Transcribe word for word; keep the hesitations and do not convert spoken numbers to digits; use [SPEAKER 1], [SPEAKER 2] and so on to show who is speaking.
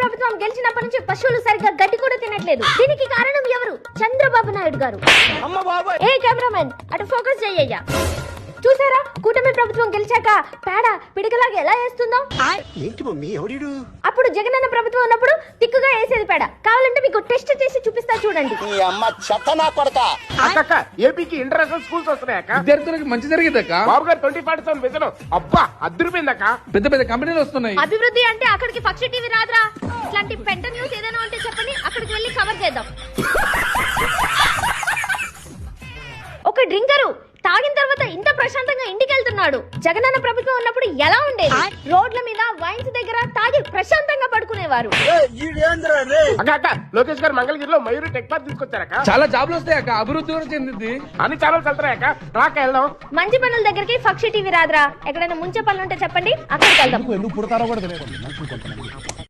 [SPEAKER 1] ప్రభుత్వం గెలిచినప్పటి నుంచి పశువులు సరిగ్గా గడ్డి కూడా తినట్లేదు. దీనికి కారణం ఎవరు? చంద్రబాబు నాయుడు గారు. ఏ కెమెరామెన్ అటు ఫోకస్ చెయ్యయ్యా. చూసారా కూటమి ప్రభుత్వం గెలిచాక పేడ పిడికలాగా ఎలా వేస్తుందో?
[SPEAKER 2] ఏంటి మమ్మీ ఎవడు?
[SPEAKER 1] అప్పుడు జగనన్న ప్రభుత్వం ఉన్నప్పుడు తిక్కుగా వేసేది పేడ. కావాలంటే మీకు టెస్ట్ చేసి చూపిస్తా చూడండి.
[SPEAKER 2] ఈ అమ్మ చెత్త నా కొడక.
[SPEAKER 3] అక్క ఏపీకి ఇంటర్నేషనల్ స్కూల్స్ వస్తున్నాయక్క.
[SPEAKER 4] విద్యార్థులకు మంచి జరిగిందక్క.
[SPEAKER 3] బాబు గారు ట్వంటీ ఫార్టీ సెవెన్ విజన్ అబ్బా అద్దరిపోయిందక్క.
[SPEAKER 4] పెద్ద పెద్ద కంపెనీలు వస్తున్నాయి.
[SPEAKER 1] అభివృద్ధి అంటే అక్కడికి పక్షి టీవీ రాదురా. ఇట్లాంటి పెంట న్యూస్ ఏదైనా ఉంటే చెప్పండి, అక్కడికి వెళ్ళి కవర్ చేద్దాం. ఒక డ్రింకరు తాగిన తర్వాత ఇంత ప్రశాంతంగా ఇంటికి వెళ్తున్నాడు. జగనన్న ప్రభుత్వం ఉన్నప్పుడు ఎలా ఉండేది? రోడ్ల మీద వైన్స్ దగ్గర తాగి ప్రశాంతంగా పడుకునేవారు.
[SPEAKER 3] అక్క అక్క లోకేష్ గారు మంగళగిరిలో మయూరి టెక్ పార్క్ తీసుకొచ్చారక్క.
[SPEAKER 4] చాలా జాబ్లు వస్తాయి అక్క. అభివృద్ధి కూడా చెందింది.
[SPEAKER 3] అన్ని ఛానల్స్ వెళ్తారక్క. రాక వెళ్దాం.
[SPEAKER 1] మంచి పనుల దగ్గరికి పక్షి టీవీ రాదురా. ఎక్కడైనా ముంచే పనులు ఉంటే చెప్పండి, అక్కడికి వెళ్దాం.
[SPEAKER 5] ఎందుకు పుడతారో కూడా తెలియదు.